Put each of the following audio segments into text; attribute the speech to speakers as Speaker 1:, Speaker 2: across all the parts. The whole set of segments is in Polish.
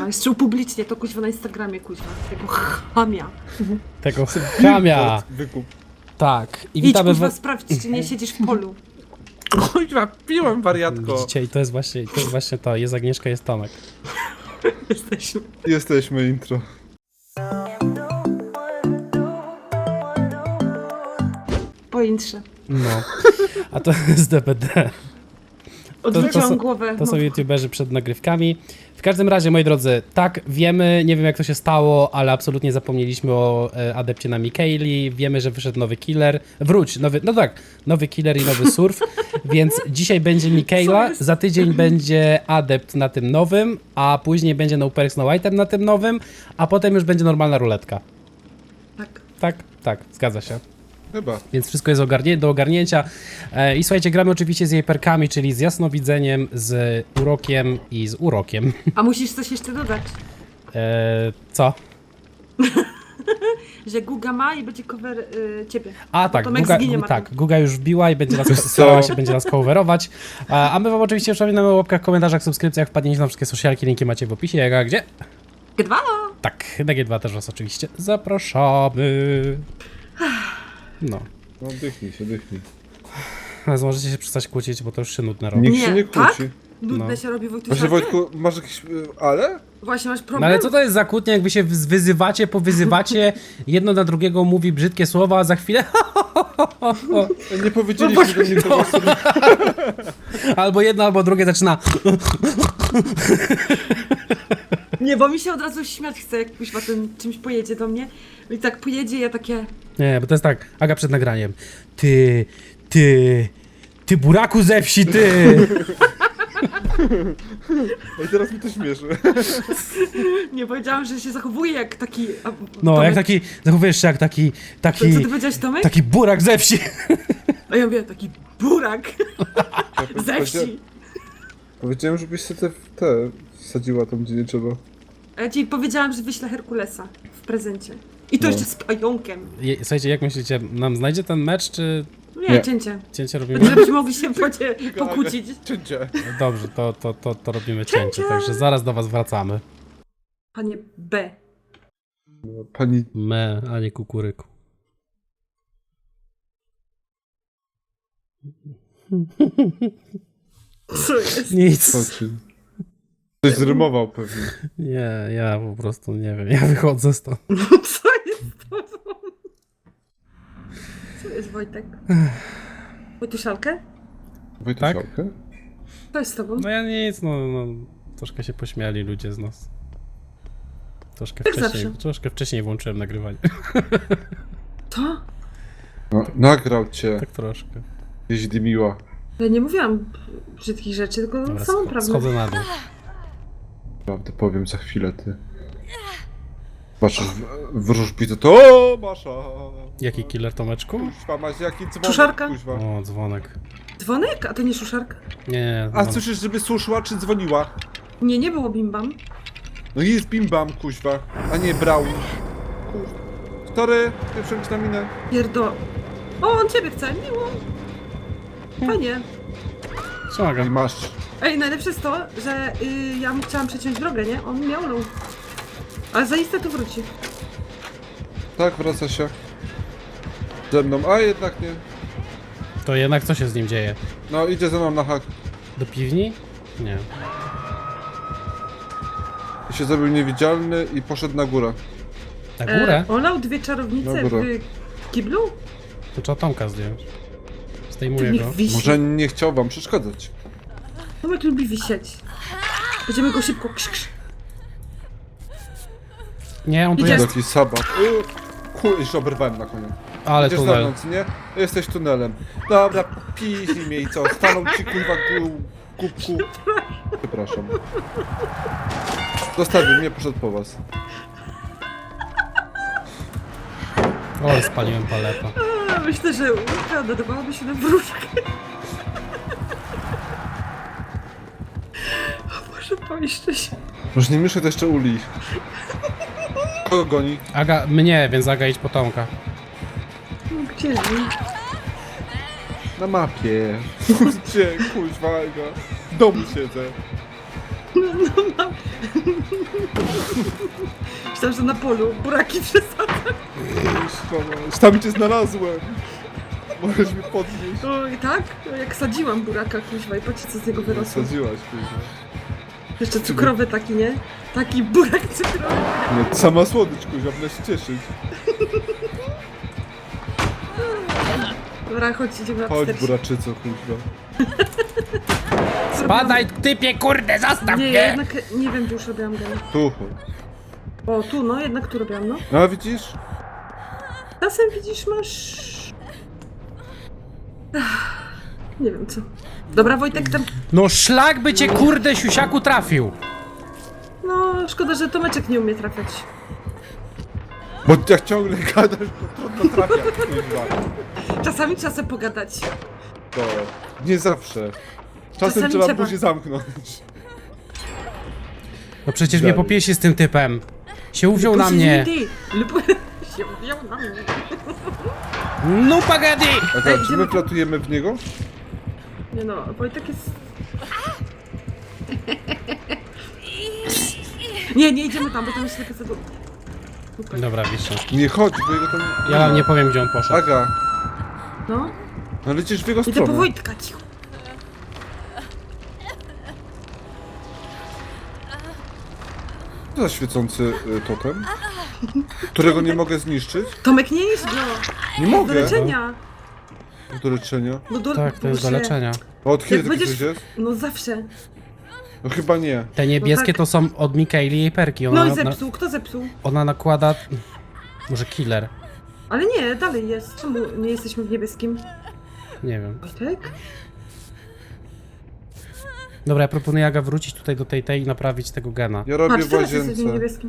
Speaker 1: Kuźwa, jeszcze upublicznie to kuźwa na Instagramie, kuźwa. Tego chamia.
Speaker 2: Tego chamia.
Speaker 3: Wykup.
Speaker 2: Tak. I
Speaker 1: Idź
Speaker 2: witamy
Speaker 1: kuźwa
Speaker 2: w...
Speaker 1: sprawdź, czy nie siedzisz w polu.
Speaker 3: Kuźwa, piłem, wariatko.
Speaker 2: Widzicie, i to jest właśnie to. Jest Agnieszka, jest Tomek.
Speaker 1: Jesteśmy.
Speaker 3: Jesteśmy intro.
Speaker 1: Pointrze.
Speaker 2: No. A to jest DBD.
Speaker 1: Odwróciłam głowę.
Speaker 2: To są
Speaker 1: no.
Speaker 2: youtuberzy przed nagrywkami. W każdym razie, moi drodzy, tak, wiemy, nie wiem jak to się stało, ale absolutnie zapomnieliśmy o adepcie na Mikaeli. Wiemy, że wyszedł nowy killer. Nowy killer i nowy surf. Więc dzisiaj będzie Mikaela, za tydzień będzie adept na tym nowym, a później będzie no perks, no item na tym nowym, a potem już będzie normalna ruletka.
Speaker 1: Tak.
Speaker 2: Tak, zgadza się.
Speaker 3: Chyba.
Speaker 2: Więc wszystko jest do ogarnięcia. I słuchajcie, gramy oczywiście z jej perkami, czyli z jasnowidzeniem, z urokiem i z urokiem.
Speaker 1: A musisz coś jeszcze dodać,
Speaker 2: Co?
Speaker 1: że Guga ma i będzie cover ciebie.
Speaker 2: A tak,
Speaker 1: Tomek
Speaker 2: Guga,
Speaker 1: zginie, Martin.
Speaker 2: tak, Guga już wbiła i będzie nas starała się, będzie nas coverować. A my wam oczywiście przypominamy o łapkach, komentarzach, subskrypcjach, wpadnięcie na wszystkie socialki, linki macie w opisie, jak a gdzie?
Speaker 1: G2!
Speaker 2: Tak, na G2 też was oczywiście zapraszamy. No.
Speaker 3: No dychnij się, dychnij.
Speaker 2: Więc możecie się przestać kłócić, bo to już się nudne robi.
Speaker 3: Nikt się nie kłóci.
Speaker 1: Tak? Nudne
Speaker 2: No.
Speaker 1: się robi, Wojtuś.
Speaker 3: Właśnie Wojtku, masz jakieś... ale?
Speaker 1: Właśnie masz problem?
Speaker 2: No ale co to jest za kłótnia, jak wy się wyzywacie, powyzywacie, jedno na drugiego mówi brzydkie słowa, a za chwilę
Speaker 3: Nie powiedzieliśmy do nikogo sobie.
Speaker 2: albo jedno, albo drugie zaczyna.
Speaker 1: Nie, bo mi się od razu śmiać chce, jak kuźwa ten czymś pojedzie do mnie. I tak pojedzie, ja takie...
Speaker 2: Nie, bo to jest tak, Aga przed nagraniem. Ty buraku ze wsi, ty!
Speaker 3: I teraz mi to śmieszy.
Speaker 1: Nie, powiedziałam, że się zachowuje jak taki...
Speaker 2: No,
Speaker 1: Tomek.
Speaker 2: jak taki, zachowujesz się jak
Speaker 1: Co ty powiedziałeś, Tomek?
Speaker 2: taki burak ze wsi.
Speaker 1: A ja mówię, taki burak ze wsi.
Speaker 3: Powiedziałem, żebyś sobie te wsadziła tam, gdzie nie trzeba.
Speaker 1: A ja ci powiedziałam, że wyślę Herkulesa w prezencie. I to
Speaker 3: No.
Speaker 1: jeszcze z pająkiem.
Speaker 2: Słuchajcie, jak myślicie, nam znajdzie ten mecz, czy
Speaker 1: Nie,
Speaker 3: Nie.
Speaker 1: cięcie.
Speaker 2: cięcie robimy?
Speaker 1: Żebyśmy mogli się pokłócić.
Speaker 3: Cięcie.
Speaker 2: Dobrze, to robimy cięcie, także zaraz do was wracamy.
Speaker 1: Panie B.
Speaker 3: Pani...
Speaker 2: Me, a nie kukuryku.
Speaker 1: Co jest?
Speaker 2: Nic.
Speaker 3: Chodźcie. Ktoś zrymował pewnie.
Speaker 2: Nie, ja po prostu nie wiem, ja wychodzę stąd.
Speaker 1: Co jest z tobą? Co jest, Wojtek? Wojtuszalkę?
Speaker 3: Wojtusiałkę?
Speaker 1: Co jest z tobą?
Speaker 2: No ja nic, no troszkę się pośmiali ludzie z nas.
Speaker 1: Jak zawsze.
Speaker 2: Troszkę wcześniej włączyłem nagrywanie.
Speaker 1: To?
Speaker 3: No, nagrał cię.
Speaker 2: Tak troszkę.
Speaker 3: Gdzieś dymiła.
Speaker 1: Ja nie mówiłam brzydkich rzeczy, tylko
Speaker 2: Dobra,
Speaker 1: samą prawdę.
Speaker 2: schodzę na dół.
Speaker 3: Prawdę powiem za chwilę, ty. Patrzysz w wróżbite, to o, Masza!
Speaker 2: Jaki killer, Tomeczku?
Speaker 3: Kuźwa, masz jaki dzwonek,
Speaker 1: Suszarka?
Speaker 3: kuźwa.
Speaker 2: O, dzwonek.
Speaker 1: Dzwonek? A to nie szuszarka?
Speaker 2: Nie,
Speaker 3: A
Speaker 2: dzwonek.
Speaker 3: słyszysz, żeby suszyła czy dzwoniła?
Speaker 1: Nie, nie było bimbam.
Speaker 3: No i jest bim-bam, kuźwa, a nie Brown. Kuźwa. Sorry, pierwszą ci na minę.
Speaker 1: Pierdo... O, on ciebie chce, miło. Fajnie.
Speaker 3: I
Speaker 2: Pomagam.
Speaker 3: masz.
Speaker 1: Ej, najlepsze jest to, że ja mu chciałam przeciąć drogę, nie? On miał low. Ale zaiste tu wróci.
Speaker 3: Tak, wraca się. Ze mną, a jednak nie.
Speaker 2: To jednak co się z nim dzieje?
Speaker 3: No, idzie ze mną na hak.
Speaker 2: Do piwni? Nie.
Speaker 3: I się zrobił niewidzialny i poszedł na górę.
Speaker 2: Na górę?
Speaker 1: Olał dwie czarownice
Speaker 3: Na górę.
Speaker 1: w kiblu?
Speaker 2: To trzeba Tomka zdjąć.
Speaker 1: Ty
Speaker 2: Zdejmuję
Speaker 1: niech
Speaker 2: go.
Speaker 1: wisi.
Speaker 3: Może nie chciał wam przeszkadzać.
Speaker 1: Tomek lubi wisieć. Będziemy go szybko krz.
Speaker 2: Nie, on tu
Speaker 1: Idzie.
Speaker 2: jest.
Speaker 3: Taki sabat. Jeszcze oberwałem na koniec.
Speaker 2: Ale
Speaker 3: Idziesz za
Speaker 2: tunel.
Speaker 3: mną, co nie? Jesteś tunelem. Dobra, piźnij mnie i co? Stanął ci kurwa kubku. Przepraszam. Zostawił mnie, poszedł po was.
Speaker 2: O, spaliłem paletę.
Speaker 1: A, myślę, że łódka nadawałaby się na wróżkę. O Boże, pomieszczę się.
Speaker 3: Może nie mieszaj to jeszcze uli. Kogo goni?
Speaker 2: Aga, mnie, więc Aga idź po Tomka.
Speaker 1: No gdzie?
Speaker 3: Na mapie. Gdzie? Kuźwa, Aga. W domu siedzę.
Speaker 1: No Myślałam, że na polu buraki przesadzam.
Speaker 3: Tam cię znalazłem. Możesz mnie podnieść.
Speaker 1: No i tak? No, jak sadziłam buraka, kuźwa, i patrzcie, co z niego wyrosło.
Speaker 3: Sadziłaś, kurwa.
Speaker 1: Jeszcze cukrowy taki, nie? Taki burak cukrowy.
Speaker 3: Nie, sama słodycz, kurwa, będę się cieszyć.
Speaker 1: Dobra, chodź, idziemy na
Speaker 3: Chodź,
Speaker 1: 40.
Speaker 3: buraczyco, kurwa.
Speaker 2: Spadaj, typie, kurde, zastaw
Speaker 1: Nie,
Speaker 2: mnie!
Speaker 1: ja jednak nie wiem, gdzie już robiłam gena.
Speaker 3: Tu chodź.
Speaker 1: O, tu, no, jednak tu robiłam, no.
Speaker 3: No, widzisz?
Speaker 1: Czasem widzisz, masz... Nie wiem co. Dobra, Wojtek, tam...
Speaker 2: No szlak by cię, kurde, siusiaku trafił.
Speaker 1: No, szkoda, że Tomeczek nie umie trafiać.
Speaker 3: Bo jak ciągle gadasz, to trudno trafia, kurwa.
Speaker 1: Czasami trzeba sobie pogadać.
Speaker 3: To nie zawsze. Czasem
Speaker 1: Czasami
Speaker 3: trzeba
Speaker 1: trzeba.
Speaker 3: buzię zamknąć.
Speaker 2: No przecież mnie
Speaker 3: Dalej.
Speaker 2: popiesi z tym typem. Się uwziął na mnie.
Speaker 1: Lub... się wziął na mnie.
Speaker 2: No pagadi!
Speaker 3: A
Speaker 1: Ej,
Speaker 3: tak, czy
Speaker 1: idziemy
Speaker 3: my
Speaker 1: tu?
Speaker 3: platujemy w niego?
Speaker 1: Nie no, Wojtek jest... Nie, nie idziemy tam, bo tam jest taka zagu...
Speaker 2: Dobra, wiszę.
Speaker 3: Nie chodź, bo jego tam...
Speaker 2: Ja wam nie powiem, gdzie on poszedł.
Speaker 3: Aga,
Speaker 1: No,
Speaker 3: no lecisz w jego
Speaker 1: idę po
Speaker 3: stronę.
Speaker 1: Wojtka, cicho.
Speaker 3: Co za świecący totem? Którego nie mogę zniszczyć?
Speaker 1: Tomek, nie idź go!
Speaker 3: Nie
Speaker 1: Do
Speaker 3: mogę.
Speaker 1: leczenia!
Speaker 3: Do leczenia.
Speaker 1: No do...
Speaker 2: Tak, to jest do
Speaker 1: Boże.
Speaker 2: leczenia.
Speaker 3: A od kiedy
Speaker 1: Jak
Speaker 3: taki
Speaker 1: będziesz...
Speaker 3: coś jest?
Speaker 1: No zawsze.
Speaker 3: No chyba nie.
Speaker 2: Te niebieskie
Speaker 1: No tak.
Speaker 2: to są od Mikaeli jej perki.
Speaker 1: No i zepsuł, kto zepsuł?
Speaker 2: Ona nakłada... Może killer.
Speaker 1: Ale nie, dalej jest. Czemu nie jesteśmy w niebieskim?
Speaker 2: Nie wiem.
Speaker 1: Wojtek?
Speaker 2: Dobra, ja proponuję Aga wrócić tutaj do tej i naprawić tego gena.
Speaker 3: Ja robię
Speaker 1: Patrz,
Speaker 3: w
Speaker 1: teraz jesteśmy w
Speaker 3: łazience.
Speaker 1: niebieskim.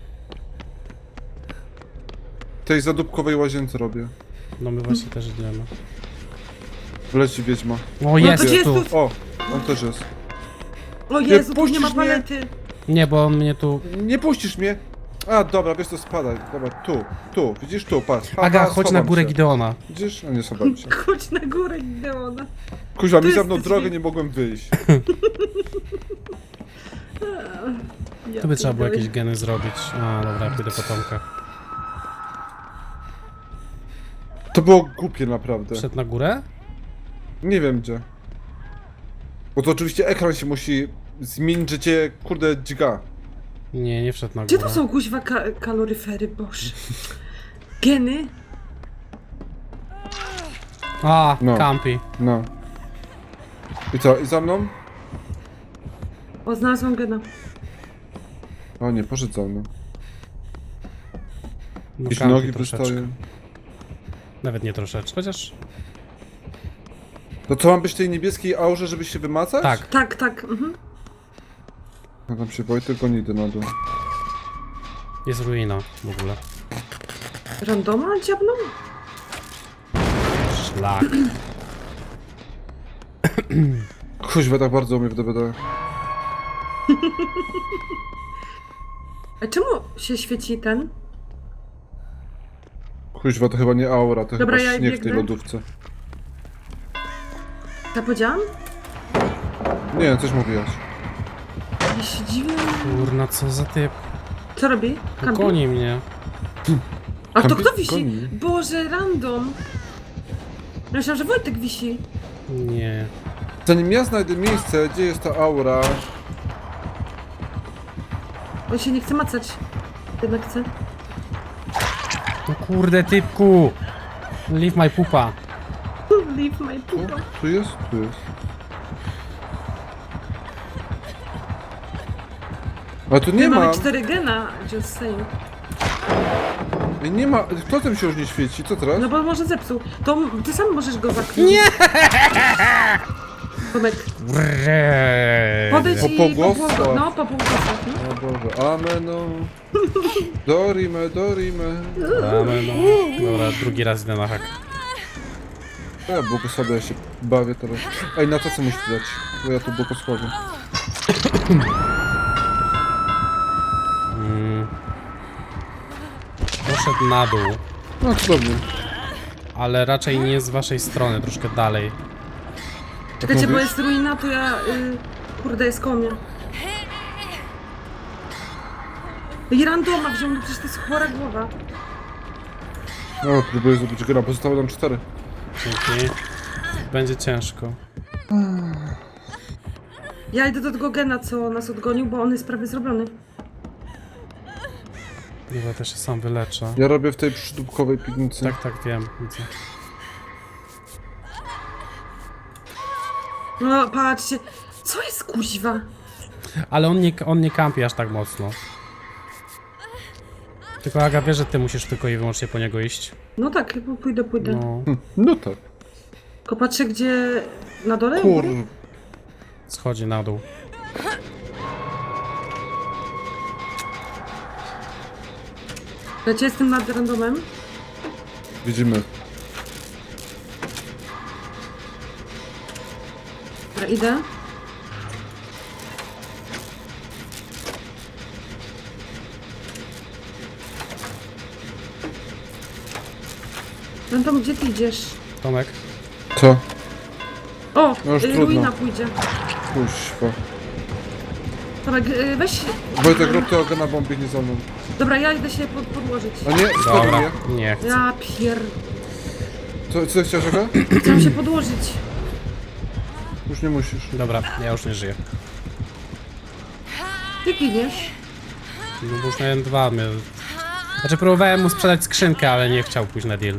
Speaker 3: Tej zadupkowej łazience robię.
Speaker 2: No my właśnie też idziemy.
Speaker 3: Wleci wiedźma.
Speaker 2: O, jest
Speaker 1: gdzie
Speaker 2: tu!
Speaker 1: jest tu?
Speaker 3: O, on też jest.
Speaker 1: O Jezu, tu nie
Speaker 3: puścisz
Speaker 1: ma
Speaker 3: mnie?
Speaker 1: palety.
Speaker 2: Nie, bo on mnie tu...
Speaker 3: Nie puścisz mnie! A, dobra, wiesz co, spadaj. Dobra, tu, widzisz tu, patrz. Ha,
Speaker 2: Aga,
Speaker 3: ha,
Speaker 2: chodź na
Speaker 3: schowam
Speaker 2: górę
Speaker 3: się.
Speaker 2: Gideona.
Speaker 3: Widzisz? A nie schowałem się.
Speaker 1: Chodź na górę, Gideona.
Speaker 3: Kuźwa, mi
Speaker 1: Tu
Speaker 3: za mną
Speaker 1: jesteś
Speaker 3: drogę
Speaker 1: wy-
Speaker 3: nie mogłem wyjść.
Speaker 1: Ja
Speaker 2: Tu by trzeba było
Speaker 1: pierdolę.
Speaker 2: jakieś geny zrobić. A, dobra, ja pójdę po Tomka.
Speaker 3: To było głupie naprawdę.
Speaker 2: Wszedł na górę?
Speaker 3: Nie wiem gdzie. Bo to oczywiście ekran się musi zmienić, że cię, kurde, dźga.
Speaker 2: Nie, nie wszedł na
Speaker 1: Gdzie
Speaker 2: górę.
Speaker 1: tu są kuźwa kaloryfery, boż? Geny?
Speaker 2: A,
Speaker 3: No.
Speaker 2: Campi.
Speaker 3: No. I co, i za mną?
Speaker 1: O, znalazłam gena.
Speaker 3: O nie, poszedł za mną.
Speaker 2: No,
Speaker 3: Jakieś
Speaker 2: Campi
Speaker 3: nogi
Speaker 2: troszeczkę.
Speaker 3: wystają.
Speaker 2: Nawet nie troszeczkę, chociaż...
Speaker 3: No co, mam być w tej niebieskiej aurze, żeby się wymacać?
Speaker 2: Tak.
Speaker 1: Tak, tak, mhm.
Speaker 3: No tam się boi, tylko nie idę na dół.
Speaker 2: Jest ruina w ogóle.
Speaker 1: Randoma dziabną?
Speaker 2: Szlak.
Speaker 3: Kuźwa, tak bardzo umie w DBD.
Speaker 1: A czemu się świeci ten?
Speaker 3: Kuźwa, to chyba nie aura, to
Speaker 1: Dobra,
Speaker 3: chyba
Speaker 1: ja
Speaker 3: śnieg w tej
Speaker 1: biegnę.
Speaker 3: lodówce.
Speaker 1: Ja powiedziałam?
Speaker 3: Nie, coś mówiłaś.
Speaker 1: Ja się dziwię.
Speaker 2: Kurna, co za typ.
Speaker 1: Co robi? Kampi?
Speaker 2: Goni mnie.
Speaker 1: A to
Speaker 3: Kampi-
Speaker 1: kto wisi?
Speaker 3: goni.
Speaker 1: Boże, random. Ja myślałam, że Wojtek wisi.
Speaker 2: Nie.
Speaker 3: Zanim ja znajdę miejsce, gdzie jest ta aura...
Speaker 1: On się nie chce macać. Jednak chce.
Speaker 2: No kurde, typku. Leave my pupa.
Speaker 1: Leave my
Speaker 3: O,
Speaker 1: pupa.
Speaker 3: tu jest? Tu jest. A tu nie
Speaker 1: My
Speaker 3: ma...
Speaker 1: mamy 4 gena, just saying.
Speaker 3: Nie ma... Kto tym się już nie świeci? Co teraz?
Speaker 1: No bo może zepsuł. To ty sam możesz go zakryć. Nie! Tomek, podejdź
Speaker 3: Po
Speaker 1: i
Speaker 3: pogłosach.
Speaker 1: No, po pogłosach, no.
Speaker 3: O Boże, ameno. Dorime, dorime.
Speaker 2: Damy, no. Dobra, drugi raz idę na hak.
Speaker 3: Ja błogosławię, ja się bawię teraz. Ej, na to co musisz dać? Bo ja tu błogosławię.
Speaker 2: Poszedł na dół,
Speaker 3: No to dobrze.
Speaker 2: ale raczej nie z waszej strony, troszkę dalej.
Speaker 1: Czekajcie, bo
Speaker 3: mówisz?
Speaker 1: jest ruina, to ja... kurde, jest koło mnie. I randoma wziął, no przecież to jest chora głowa.
Speaker 3: No, próbuję zrobić gena, pozostało nam 4.
Speaker 2: Dzięki. Będzie ciężko.
Speaker 1: Ja idę do tego gena, co nas odgonił, bo on jest prawie zrobiony.
Speaker 2: Chyba też się sam wyleczę.
Speaker 3: Ja robię w tej przydupkowej piwnicy.
Speaker 2: Tak, wiem, widzę.
Speaker 1: No patrzcie, co jest kuźwa?
Speaker 2: Ale on nie kampi aż tak mocno. Tylko Aga wie, że ty musisz tylko i wyłącznie po niego iść.
Speaker 1: No tak, pójdę.
Speaker 2: No,
Speaker 3: No tak.
Speaker 1: Tylko patrzę, gdzie... Na dole?
Speaker 3: Kur...
Speaker 2: schodzi na dół.
Speaker 1: Lecie, jestem nad randomem.
Speaker 3: Widzimy.
Speaker 1: Dobra, idę. Random, gdzie ty idziesz?
Speaker 2: Tomek?
Speaker 3: Co?
Speaker 1: O,
Speaker 3: No już trudno.
Speaker 1: ruina pójdzie.
Speaker 3: Kuźwa.
Speaker 1: Tomek, weź...
Speaker 3: Wojtek, rób tego gena, bo on biegnie za mną.
Speaker 1: Dobra, ja idę się podłożyć.
Speaker 3: A nie,
Speaker 2: Dobra,
Speaker 3: stawię.
Speaker 2: nie chcę.
Speaker 1: Ja
Speaker 3: Co chciałeś, Aga?
Speaker 1: Chciałam się podłożyć.
Speaker 3: Już nie musisz.
Speaker 2: Dobra, ja już nie żyję.
Speaker 1: Ty giniesz.
Speaker 2: No bo już miałem 2. Znaczy próbowałem mu sprzedać skrzynkę, ale nie chciał pójść na deal.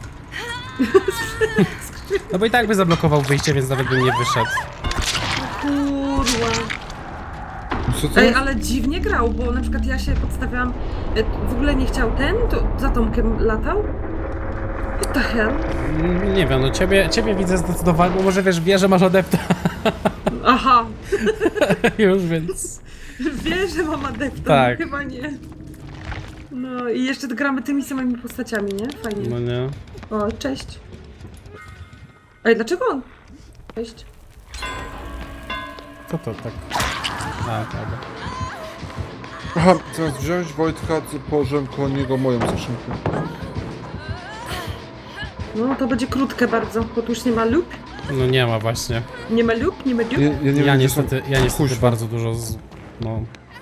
Speaker 2: No bo i tak by zablokował wyjście, więc nawet bym nie wyszedł.
Speaker 1: Kurwa.
Speaker 3: Co to?
Speaker 1: Ej, ale dziwnie grał, bo na przykład ja się podstawiałam... W ogóle nie chciał ten, to za Tomkiem latał? What the hell?
Speaker 2: Nie wiem, no ciebie widzę zdecydowanie, bo może wiesz, wie, że masz adepta
Speaker 1: Aha,
Speaker 2: już, więc...
Speaker 1: wie, że mam adepta,
Speaker 2: Tak.
Speaker 1: no, chyba nie. No i jeszcze gramy tymi samymi postaciami, nie? Fajnie.
Speaker 2: No nie.
Speaker 1: O, cześć. Ej, dlaczego on? Cześć.
Speaker 2: Co to tak? A, tak.
Speaker 3: Aha, zamiast wziąć Wojtka, położyłem koło niego moją skrzynkę.
Speaker 1: No, to będzie krótkie bardzo, bo tu już nie ma loop.
Speaker 2: No nie ma właśnie.
Speaker 1: Nie ma loop, nie ma loop.
Speaker 3: Ja nie wiem,
Speaker 2: Ja
Speaker 3: gdzie są...
Speaker 2: niestety
Speaker 3: Kuźwa.
Speaker 2: bardzo dużo no...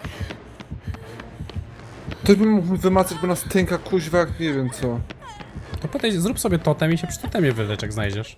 Speaker 3: Ktoś by mógł wymacać, bo nas tęka kuźwa jak nie wiem co.
Speaker 2: To potem zrób sobie totem i się przy totemie wylecz, jak znajdziesz.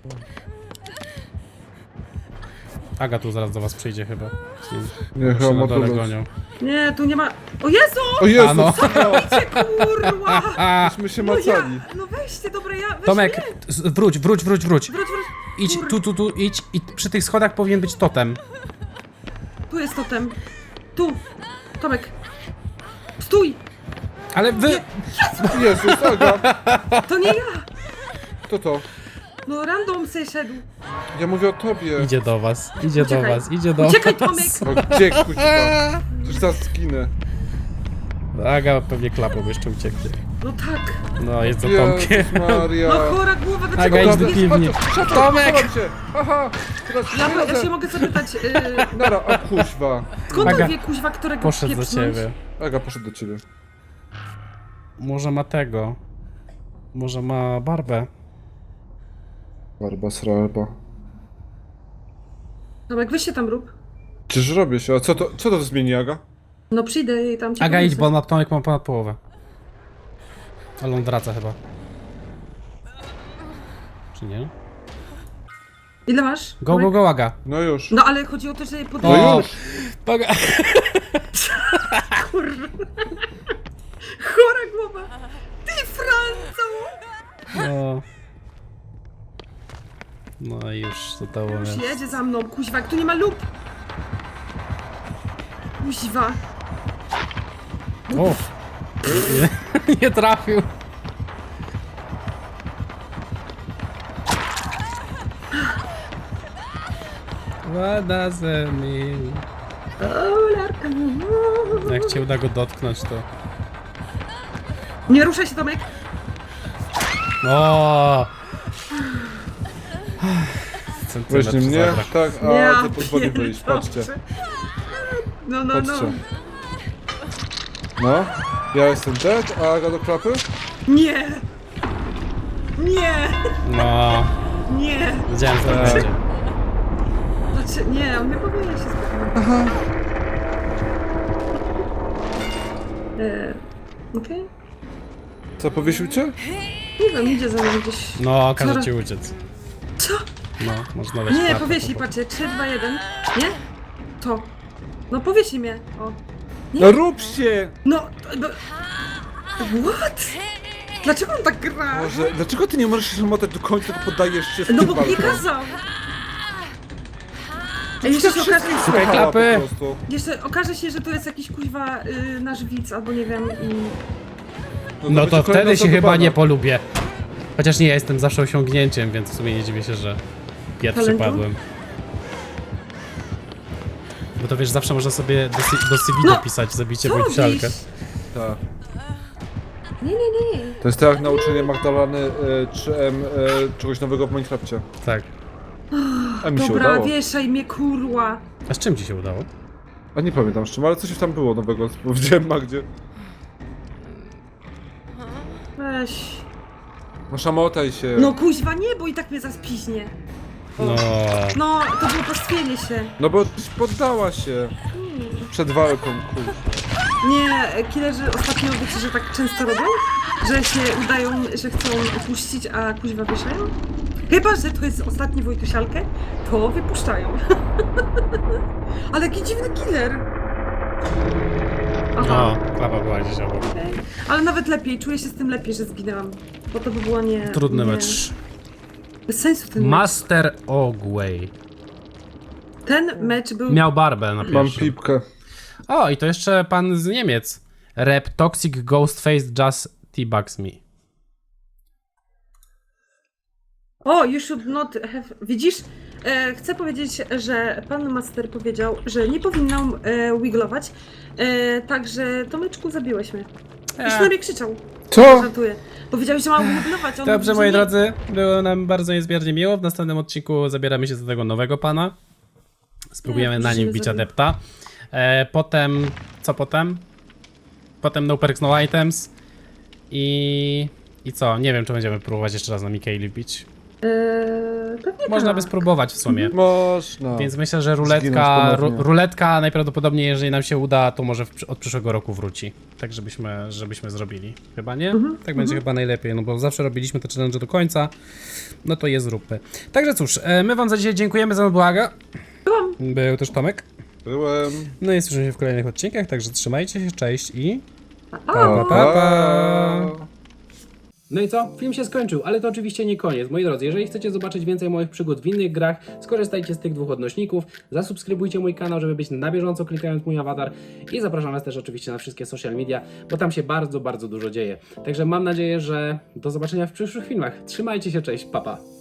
Speaker 2: Aga tu zaraz do was przyjdzie chyba.
Speaker 3: Nie,
Speaker 2: Się
Speaker 3: chyba
Speaker 2: na
Speaker 3: ma
Speaker 2: dole
Speaker 3: dole.
Speaker 2: gonią.
Speaker 1: Nie, tu nie ma... O Jezu!
Speaker 3: O Jezu,
Speaker 2: A no.
Speaker 1: Cię, kurwa!
Speaker 3: myśmy się
Speaker 1: No ja,
Speaker 3: macali.
Speaker 1: no weźcie, dobra, ja... Weź
Speaker 2: Tomek,
Speaker 1: mnie.
Speaker 2: wróć.
Speaker 1: Wróć.
Speaker 2: Idź,
Speaker 1: Kur-
Speaker 2: tu, idź i przy tych schodach powinien być totem.
Speaker 1: Tu jest totem. Tu. Tomek. Stój!
Speaker 2: Ale wy...
Speaker 3: Jezus, Aga.
Speaker 1: To nie ja!
Speaker 3: Kto to?
Speaker 1: No random se szedł.
Speaker 3: Ja mówię o tobie.
Speaker 2: Idzie do was, idzie do
Speaker 1: Uciekaj.
Speaker 2: was, idzie do
Speaker 1: Uciekaj,
Speaker 2: was.
Speaker 1: Tomek!
Speaker 3: O, gdzie kuźwa? Przecież zaraz zginę.
Speaker 2: Aga pewnie klapą jeszcze ucieknie.
Speaker 1: No tak.
Speaker 2: No, jest za Tomkiem.
Speaker 3: Jezus Maria.
Speaker 1: No chora głowa,
Speaker 2: Aga,
Speaker 1: dlaczego
Speaker 2: idź do
Speaker 1: jest
Speaker 2: piwni.
Speaker 3: Tomek! Się. Aha, teraz
Speaker 1: Ja się mogę zapytać,
Speaker 3: Nara, a kuźwa.
Speaker 1: skąd
Speaker 2: Aga,
Speaker 1: on wie kuźwa, którego
Speaker 2: Poszedł do
Speaker 1: pieprznąć?
Speaker 2: ciebie.
Speaker 3: Aga poszedł do ciebie.
Speaker 2: Może ma tego. Może ma barbę.
Speaker 3: Barba sralba.
Speaker 1: Tomek, weź się tam rób.
Speaker 3: Czyż robię się? A co to zmieni, Aga?
Speaker 1: No przyjdę i tam cię
Speaker 2: Aga, idź,
Speaker 1: podniosę.
Speaker 2: bo na Tomek ma ponad połowę. Ale on wraca chyba. Czy nie?
Speaker 1: Ile masz?
Speaker 2: Go,
Speaker 1: Tomek?
Speaker 2: go, Aga.
Speaker 3: No już.
Speaker 1: No ale chodzi o to, że je
Speaker 3: No
Speaker 1: podnieść.
Speaker 2: O.
Speaker 3: już.
Speaker 2: Toga.
Speaker 1: Kurwa. Chora głowa. Ty Franco!
Speaker 2: No. No i już to to
Speaker 1: Już
Speaker 2: jest.
Speaker 1: jedzie za mną, kuźwa, jak tu nie ma lub. Kuźwa.
Speaker 2: O! Nie, nie trafił. What does it mean?
Speaker 1: O, larka.
Speaker 2: Jak cię uda go dotknąć, to...
Speaker 1: Nie ruszaj się, Tomek.
Speaker 2: O! Centymetr
Speaker 3: Weźcie mnie,
Speaker 2: zabrak.
Speaker 3: tak,
Speaker 1: Ja
Speaker 3: a ty pozwoli wyjść, patrzcie.
Speaker 1: No.
Speaker 3: Patrzcie. No, ja jestem dead, a Aga do klapy?
Speaker 1: Nie. Nie.
Speaker 2: No,
Speaker 1: Nie.
Speaker 2: wiedziałem, że tak będzie.
Speaker 1: Znaczy, nie, on nie powinien się spotkać. Okej?
Speaker 3: Co, powiesił cię?
Speaker 1: Nie wiem, idzie za mną gdzieś.
Speaker 2: No, każe
Speaker 1: Coraz-
Speaker 2: ci uciec.
Speaker 1: Co?
Speaker 2: No, można dać
Speaker 1: Nie,
Speaker 2: klatę,
Speaker 1: powiesi,
Speaker 2: po-
Speaker 1: patrzcie, 3, 2, 1. Nie? To. No powiesi mnie. O.
Speaker 3: No rób się!
Speaker 1: No, to- what? Dlaczego on tak gra?
Speaker 3: Boże, dlaczego ty nie możesz się zamotać do końca, tylko poddajesz się z
Speaker 1: No
Speaker 3: tym
Speaker 1: bo nie
Speaker 3: walką?
Speaker 1: kazał. A jeszcze się okaże,
Speaker 2: Szukaj klapy.
Speaker 3: Po prostu.
Speaker 1: jeszcze okaże się, że to jest jakiś kuźwa nasz widz, albo nie wiem i...
Speaker 2: No to
Speaker 3: będzie
Speaker 2: wtedy
Speaker 3: kolejna
Speaker 2: się chyba
Speaker 3: zadobana.
Speaker 2: nie polubię. Chociaż nie, ja jestem zawsze osiągnięciem, więc w sumie nie dziwię się, że pierwszy
Speaker 1: Talentu?
Speaker 2: padłem. Bo to wiesz, zawsze można sobie do CV
Speaker 1: No,
Speaker 2: dopisać zabicie
Speaker 1: Co
Speaker 2: wojcialkę.
Speaker 1: robisz?
Speaker 3: Tak.
Speaker 1: Nie.
Speaker 3: To jest tak jak nauczenie Magdaleny czy czegoś nowego w Minecrafcie.
Speaker 2: Tak.
Speaker 3: A mi się
Speaker 1: Dobra,
Speaker 3: udało.
Speaker 1: wieszaj mnie, kurwa.
Speaker 2: A z czym ci się udało?
Speaker 3: A nie pamiętam z czym, ale coś tam było nowego, powiedziałem Magdzie.
Speaker 1: Weź.
Speaker 3: No szamotaj się.
Speaker 1: No kuźwa nie, bo i tak mnie zaraz piźnie.
Speaker 2: No.
Speaker 1: No, to było pastwienie się.
Speaker 3: No bo poddała się. Przed walką, kurwa.
Speaker 1: Nie, killerzy ostatnio wiecie, że tak często robią? Że się udają, że chcą opuścić, a kuźwa wieszają? Chyba, że to jest ostatni Wojtusialkę, to wypuszczają. Ale jaki dziwny killer. Aha,
Speaker 2: No, klapa była gdzieś obok.
Speaker 1: okej. Ale nawet lepiej, czuję się z tym lepiej, że zginęłam. Bo to by było nie...
Speaker 2: Trudny
Speaker 1: nie...
Speaker 2: mecz.
Speaker 1: Bez sensu ten mecz.
Speaker 2: Master Ogway.
Speaker 1: Ten mecz był...
Speaker 2: Miał barbę na
Speaker 3: Mam
Speaker 2: pierwszym.
Speaker 3: pipkę.
Speaker 2: O, i to jeszcze pan z Niemiec. Rap Toxic Ghostface Just T-Bugs Me.
Speaker 1: O, you should not have... Widzisz? Chcę powiedzieć, że pan Master powiedział, że nie powinnam wiglować. Także, Tomeczku, zabiłeś mnie. Już na mnie krzyczał.
Speaker 3: Co?
Speaker 1: Żartuję. Powiedziałeś, że mam wiglować. on
Speaker 2: Dobrze,
Speaker 1: mówi,
Speaker 2: moi
Speaker 1: że nie.
Speaker 2: drodzy, było nam bardzo niezmiernie miło. W następnym odcinku zabieramy się do tego nowego pana. Spróbujemy
Speaker 1: Nie,
Speaker 2: na nim
Speaker 1: musimy
Speaker 2: bić
Speaker 1: zrobić.
Speaker 2: adepta. Potem, co potem? Potem no perks, no items. I co? Nie wiem, czy będziemy próbować jeszcze raz na Mikaeli bić.
Speaker 1: Pewnie
Speaker 2: Można
Speaker 1: tak.
Speaker 2: by spróbować w sumie.
Speaker 3: Można.
Speaker 2: Więc myślę, że
Speaker 3: Zginąć
Speaker 2: ruletka,
Speaker 3: ponownie.
Speaker 2: ruletka najprawdopodobniej, jeżeli nam się uda, to może od przyszłego roku wróci. Tak, żebyśmy zrobili. Chyba nie? Tak będzie chyba najlepiej, no bo zawsze robiliśmy te challenge do końca. No to je zróbmy. Także cóż, my wam za dzisiaj dziękujemy za błaga. Był też Tomek.
Speaker 3: Byłem.
Speaker 2: No i słyszymy się w kolejnych odcinkach, także trzymajcie się, cześć i...
Speaker 1: O,
Speaker 2: pa. No i co? Film się skończył, ale to oczywiście nie koniec. Moi drodzy, jeżeli chcecie zobaczyć więcej moich przygód w innych grach, skorzystajcie z tych dwóch odnośników, zasubskrybujcie mój kanał, żeby być na bieżąco klikając mój awatar i zapraszam was też oczywiście na wszystkie social media, bo tam się bardzo, bardzo dużo dzieje. Także mam nadzieję, że do zobaczenia w przyszłych filmach. Trzymajcie się, cześć, pa pa.